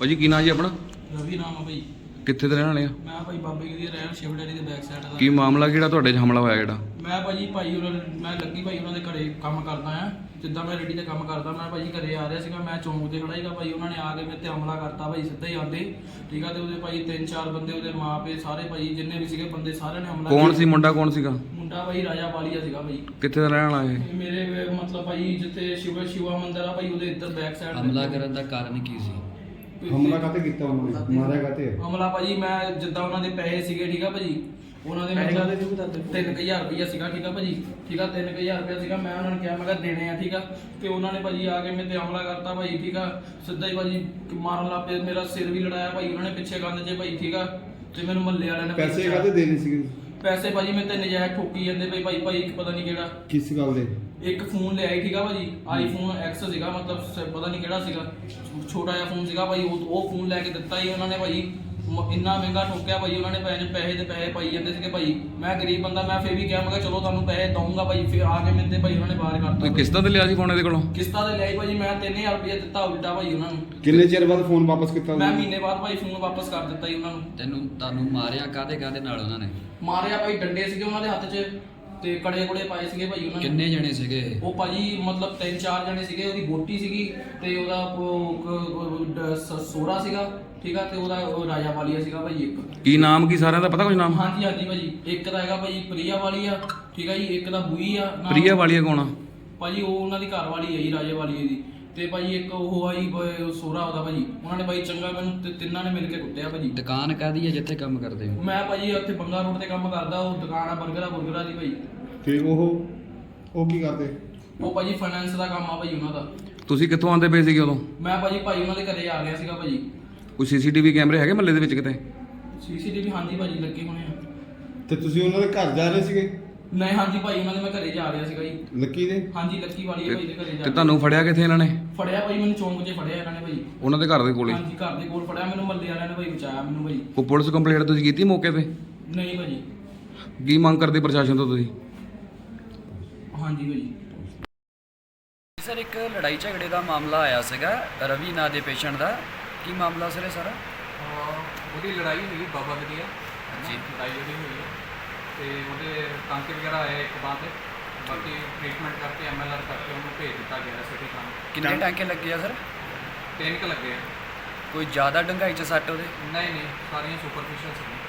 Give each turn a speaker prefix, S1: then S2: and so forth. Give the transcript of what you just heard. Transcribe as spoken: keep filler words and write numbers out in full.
S1: ਭਾਜੀ ਕੀ ਨਾਂ ਜੀ ਆਪਣਾ?
S2: ਰਵੀ ਨਾਮ ਆ ਭਾਈ।
S1: ਕਿੱਥੇ ਦੇ ਰਹਿਣ ਵਾਲੇ ਆ?
S2: ਮੈਂ ਭਾਈ ਬਾਬੇ ਦੀ ਰਹਿਣ ਸ਼ਿਵ ਡੈਡੀ ਦੇ ਬੈਕ ਸਾਈਡ ਦਾ।
S1: ਕੀ ਮਾਮਲਾ ਕਿਹੜਾ ਤੁਹਾਡੇ 'ਚ ਹਮਲਾ ਹੋਇਆ ਜਿਹੜਾ?
S2: ਮੈਂ ਭਾਜੀ ਭਾਈ ਉਹਨਾਂ ਮੈਂ ਲੱਗੀ ਭਾਈ ਉਹਨਾਂ ਦੇ ਘਰੇ ਕੰਮ ਕਰਦਾ ਆ। ਜਿੱਦਾਂ ਮੈਂ ਰੈਡੀ ਤੇ ਕੰਮ ਕਰਦਾ, ਮੈਂ ਭਾਜੀ ਘਰੇ ਆ ਰਿਹਾ ਸੀਗਾ, ਮੈਂ ਚੌਂਕ ਤੇ ਖੜਾ ਸੀਗਾ ਭਾਈ। ਉਹਨਾਂ ਨੇ ਆ ਕੇ ਮੇਰੇ ਤੇ ਹਮਲਾ ਕਰਤਾ ਭਾਈ, ਸਿੱਧਾ ਹੀ ਆਂਦੇ। ਠੀਕ ਆ, ਤੇ ਉਹਦੇ ਭਾਈ ਤਿੰਨ ਚਾਰ ਬੰਦੇ, ਉਹਦੇ ਮਾਪੇ ਸਾਰੇ ਭਾਈ ਜਿੰਨੇ ਵੀ ਸੀਗੇ ਬੰਦੇ ਸਾਰਿਆਂ ਨੇ ਹਮਲਾ।
S1: ਕੌਣ ਸੀ ਮੁੰਡਾ? ਕੌਣ ਸੀਗਾ
S2: ਮੁੰਡਾ? ਭਾਈ ਰਾਜਾ ਵਾਲੀਆ ਸੀਗਾ ਭਾਈ।
S1: ਕਿੱਥੇ ਦਾ ਰਹਿਣ ਵਾਲਾ ਇਹ?
S2: ਮੇਰੇ ਮਤਲਬ ਭਾਈ ਜਿੱਥੇ ਸ਼ਿਵ ਸ਼ਿਵਾ ਮੰਦਿਰ ਆ ਭਾਈ, ਉਹਦੇ ਇੱਧਰ ਬੈਕ ਸਾਈਡ।
S3: ਹਮਲਾ ਕਰਨ ਦਾ ਕਾਰਨ ਕੀ ਸੀ?
S4: ਹਮਲਾ ਕਾਤੇ ਕੀਤਾ ਉਹਨਾਂ ਨੇ? ਮਾਰਿਆ ਕਾਤੇ?
S2: ਹਮਲਾ ਭਾਜੀ ਮੈਂ ਜਿੱਦਾਂ ਉਹਨਾਂ ਦੇ ਪੈਸੇ ਸੀਗੇ, ਠੀਕ ਆ ਭਾਜੀ, ਉਹਨਾਂ ਦੇ ਮਤਲਬ ਤਿੰਨ ਕੁ ਹਜ਼ਾਰ ਰੁਪਈਆ ਸੀਗਾ। ਠੀਕ ਆ ਭਾਜੀ, ਠੀਕ ਆ, ਤਿੰਨ ਕੁ ਹਜ਼ਾਰ ਰੁਪਈਆ ਸੀਗਾ। ਮੈਂ ਉਹਨਾਂ ਨੂੰ ਕਿਹਾ ਮੈਂ ਕਿਹਾ ਦੇਣੇ ਆ, ਠੀਕ ਆ। ਤੇ ਉਹਨਾਂ ਨੇ ਭਾਜੀ ਆ ਕੇ ਮੇਰੇ ਤੇ ਹਮਲਾ ਕਰਤਾ ਭਾਈ। ਠੀਕ ਆ, ਸਿੱਧਾ ਹੀ ਭਾਜੀ ਮਾਰਨ ਲੱਗ ਪਏ, ਮੇਰਾ ਸਿਰ ਵੀ ਲੜਾਇਆ ਭਾਈ ਉਹਨਾਂ ਨੇ ਪਿੱਛੇ ਕੰਨ 'ਚ ਭਾਈ। ਠੀਕ ਆ, ਤੇ ਮੈਨੂੰ ਮਹੱਲੇ ਵਾਲਿਆਂ ਨੇ
S4: ਪੈਸੇ ਕਾਤੇ ਦੇਣੇ ਸੀਗੇ?
S2: ਪੈਸੇ ਭਾਜੀ ਮੇਰੇ ਤੇ ਨਜਾਇਜ਼ ਠੋਕੀ ਜਾਂਦੇ ਭਾਈ ਭਾਈ ਭਾਈ ਇੱਕ ਪਤਾ ਨਹੀਂ ਕਿਹੜਾ
S4: ਕਿਸ ਗੱਲ ਦੇ?
S2: ਇੱਕ ਫੋਨ ਲਿਆਈ, ਠੀਕ ਆ ਭਾਜੀ, ਆਈਫੋਨ ਐਕਸ ਸੀਗਾ, ਮਤਲਬ ਸ- ਪਤਾ ਨਹੀਂ ਕਿਹੜਾ ਸੀਗਾ, ਛੋਟਾ ਜਿਹਾ ਫੋਨ ਸੀਗਾ ਭਾਈ। ਉਹ ਉਹ ਫੋਨ ਲੈ ਕੇ ਦਿੱਤਾ ਹੀ ਉਹਨਾਂ ਨੇ ਭਾਈ। ਮ- ਇੰਨਾ ਮਹਿੰਗਾ ਠੋਕਿਆ ਭਾਈ ਉਹਨਾਂ ਨੇ। ਪੈਸੇ ਪੈਸੇ ਦੇ ਪੈਸੇ ਪਾਈ ਜਾਂਦੇ ਸੀਗੇ ਭਾਈ। ਮੈਂ ਗਰੀਬ ਬੰਦਾ, ਮੈਂ ਫੇਰ ਵੀ ਕਿਹਾ ਮੈਂ ਕਿਹਾ ਚਲੋ ਤੁਹਾਨੂੰ ਪੈਸੇ ਦਊਂਗਾ ਭਾਈ। ਫਿਰ ਆ ਕੇ ਮੇਰੇ ਤੇ ਭਾਈ ਉਹਨਾਂ ਨੇ ਬਾਹਰ ਕਰਤਾ।
S1: ਤੁਸੀਂ ਕਿਸ਼ਤਾਂ ਤੇ ਲਿਆ ਸੀ ਫੋਨ ਇਹਦੇ ਕੋਲੋਂ?
S2: ਕਿਸ਼ਤਾਂ ਤੇ ਲਿਆਈ ਭਾਜੀ, ਮੈਂ ਤਿੰਨ ਹਜ਼ਾਰ ਰੁਪਇਆ ਦਿੱਤਾ ਉਲਟਾ ਭਾਈ ਉਹਨਾਂ ਨੂੰ।
S4: ਕਿੰਨੇ ਚਿਰ ਬਾਅਦ ਫੋਨ ਵਾਪਸ ਕੀਤਾ?
S2: ਮੈਂ ਮਹੀਨੇ ਬਾਅਦ ਭਾਈ ਫੋਨ ਵਾਪਸ ਕਰ ਦਿੱਤਾ ਜੀ ਉਹਨਾਂ ਨੂੰ।
S3: ਤੈਨੂੰ ਤੁਹਾਨੂੰ ਮਾਰਿਆ ਕਾਹਦੇ ਕਾਹਦੇ ਨਾਲ ਉਹਨਾਂ ਨੇ?
S2: ਮਾਰਿਆ ਭਾਈ, ਡੰਡੇ ਸੀਗੇ ਉਹਨਾਂ ਦੇ ਹੱਥ 'ਚ ਤੇ ਕੜੇ ਕੁੜੇ ਪਾਏ ਸੀਗੇ ਭਾਈ ਉਹਨਾਂ ਨੇ।
S3: ਕਿੰਨੇ ਜਣੇ ਸੀਗੇ?
S2: ਉਹ ਭਾਜੀ ਮਤਲਬ ਤਿੰਨ ਚਾਰ ਜਣੇ ਸੀਗੇ। ਉਹਦੀ ਬੋਟੀ ਸੀਗੀ ਤੇ ਉਹਦਾ ਉਹ ਡ- ਸ- ਸੋਹਰਾ ਸੀਗਾ, ਠੀਕ ਆ, ਤੇ ਉਹਦਾ ਉਹ ਰਾਜਾ ਵਾਲੀਆ ਸੀਗਾ ਭਾਈ ਇੱਕ।
S1: ਕੀ ਨਾਮ ਕੀ ਸਾਰਿਆਂ ਦਾ ਪਤਾ ਕੁਝ ਨਾਮ?
S2: ਹਾਂਜੀ ਹਾਂਜੀ ਭਾਜੀ, ਇੱਕ ਦਾ ਹੈਗਾ ਭਾਈ ਪ੍ਰਿਆ ਵਾਲੀਆ, ਠੀਕ ਆ ਜੀ, ਇੱਕ ਦਾ ਬੂਈ ਆ ਨਾਮ।
S1: ਪ੍ਰਿਆ ਵਾਲੀਆ ਕੌਣ ਆ?
S2: ਭਾਜੀ ਉਹ ਉਹਨਾਂ ਦੀ ਘਰ ਵਾਲੀ ਹੈ ਜੀ, ਰਾਜੇ ਵਾਲੀਏ ਦੀ। ਤੇ ਭਾਜੀ ਇੱਕ ਉਹ ਆਈ ਸੋਹਰਾ ਉਹਦਾ ਭਾਜੀ। ਉਹਨਾਂ ਨੇ ਭਾਈ ਚੰਗਾ ਮੈਨੂੰ ਤੇ ਤਿੰਨਾਂ ਨੇ ਮਿਲ ਕੇ ਕੁੱਟਿਆ ਭਾਜੀ।
S3: ਦੁਕਾਨ ਕਾਹਦੀ ਹੈ ਜਿੱਥੇ ਕੰਮ ਕਰਦੇ ਹੋ?
S2: ਮੈਂ ਭਾਜੀ ਉੱਥੇ ਬੰਗਾ ਰੋਡ ਤੇ ਕੰਮ ਕਰਦਾ। ਉਹ ਦੁਕਾਨ ਆ ਬਰਗਰਾ ਬੁਰਗਰਾ ਦੀ ਭਾਈ।
S4: ਤੇ ਉਹ ਉਹ ਕੀ ਕਰਦੇ?
S2: ਉਹ ਭਾਜੀ ਫਾਈਨੈਂਸ ਦਾ ਕੰਮ ਆ ਭਾਜੀ ਉਹਨਾਂ ਦਾ।
S1: ਤੁਸੀਂ ਕਿੱਥੋਂ ਆਉਂਦੇ ਪਏ ਸੀਗੇ ਉਦੋਂ?
S2: ਮੈਂ ਭਾਜੀ ਭਾਈ ਉਹਨਾਂ ਦੇ ਘਰੇ ਆ ਗਿਆ ਸੀਗਾ ਭਾਜੀ।
S1: ਕੋਈ ਸੀਸੀਟੀਵੀ ਕੈਮਰੇ ਹੈਗੇ ਮਹੱਲੇ ਦੇ ਵਿੱਚ ਕਿਤੇ?
S2: ਸੀਸੀਟੀਵੀ ਹਾਂਜੀ ਭਾਜੀ ਲੱਗੇ ਹੋਣੇ ਆ।
S4: ਤੇ ਤੁਸੀਂ ਉਹਨਾਂ ਦੇ ਘਰ ਜਾ ਰਹੇ ਸੀਗੇ?
S2: ਨਹੀਂ ਹਾਂਜੀ ਭਾਈ, ਉਹਨਾਂ ਦੇ ਮੈਂ ਘਰੇ ਜਾ ਰਿਹਾ ਸੀਗਾ ਜੀ।
S4: ਲੱਕੀ ਦੇ?
S2: ਹਾਂਜੀ ਲੱਕੀ ਵਾਲੀ ਭਾਈ ਦੇ ਘਰੇ ਜਾ
S1: ਤੇ ਤੁਹਾਨੂੰ ਫੜਿਆ ਕਿੱਥੇ ਇਹਨਾਂ ਨੇ?
S2: ਫੜਿਆ ਭਾਈ ਮੈਨੂੰ ਚੌਂਕ 'ਚ ਫੜਿਆ ਇਹਨਾਂ ਨੇ ਭਾਈ।
S1: ਉਹਨਾਂ ਦੇ ਘਰ ਦੇ ਕੋਲੇ?
S2: ਹਾਂਜੀ ਘਰ ਦੇ ਕੋਲ ਫੜਿਆ ਮੈਨੂੰ, ਮੱਲੇ ਵਾਲਿਆਂ ਨੇ ਭਾਈ ਬਚਾਇਆ ਮੈਨੂੰ ਭਾਈ।
S1: ਕੋਈ ਪੁਲਿਸ ਕੰਪਲੇਂਟ ਤੁਸੀਂ ਕੀਤੀ ਮੌਕੇ ਤੇ?
S2: ਨਹੀਂ ਭਾਜੀ।
S1: ਕੀ ਮੰਗ ਕਰਦੇ ਪ੍ਰਸ਼ਾਸਨ ਤੋਂ ਤੁਸੀਂ?
S2: ਹਾਂਜੀ ਭਾਜੀ।
S3: ਸਰ ਇੱਕ ਲੜਾਈ ਝਗੜੇ ਦਾ ਮਾਮਲਾ ਆਇਆ ਸੀਗਾ ਰਵੀ ਨਾਂ ਦੇ ਪੇਸ਼ੈਂਟ ਦਾ, ਕੀ ਮਾਮਲਾ ਸਰ ਇਹ ਸਾਰਾ?
S5: ਉਹਦੀ ਲੜਾਈ ਹੋਈ ਬਾਬਾ ਵਧੀਆ ਜੀ, ਲੜਾਈ ਉਹਦੀ ਹੋਈ ਹੈ ਤੇ ਉਹਦੇ ਟਾਂਕੇ ਵਗੈਰਾ ਆਏ ਇੱਕ ਬਾਅਦ ਤੇ ਬਾਕੀ ਟ੍ਰੀਟਮੈਂਟ ਕਰਕੇ ਐਮ ਐਲ ਆਰ ਕਰਕੇ ਉਹਨੂੰ ਭੇਜ ਦਿੱਤਾ ਗਿਆ ਸਿਟੀ ਥਾਣੇ।
S3: ਕਿੰਨੇ ਟਾਂਕੇ ਲੱਗੇ ਆ ਸਰ?
S5: ਤਿੰਨ ਕੁ ਲੱਗੇ ਆ।
S3: ਕੋਈ ਜ਼ਿਆਦਾ ਡੰਗਾਈ ਚ ਸੱਟ ਉਹਦੇ?
S5: ਨਹੀਂ ਨਹੀਂ, ਸਾਰੀਆਂ ਸੁਪਰਫਿਸ਼ੀਅਲ ਸੀ।